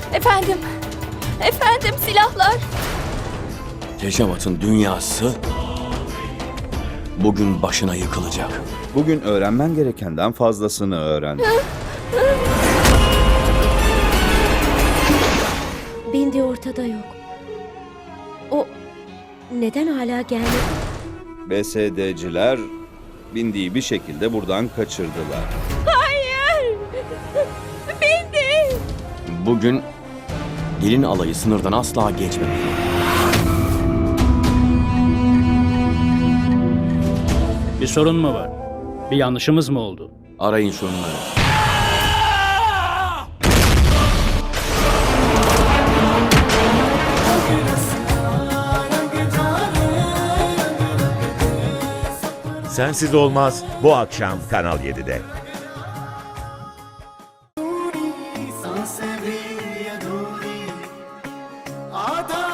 Efendim, efendim silahlar. Tejavat'ın dünyası bugün başına yıkılacak. Bugün öğrenmen gerekenden fazlasını öğren. Bindi ortada yok. O neden hala gelmedi? BSD'ciler Bindi'yi bir şekilde buradan kaçırdılar. Hayır. Bindi. Bugün gelin alayı sınırdan asla geçmemeli. Bir sorun mu var? Bir yanlışımız mı oldu? Arayın şunları. Sensiz Olmaz bu akşam Kanal 7'de. सांसें भी अधूरी आधा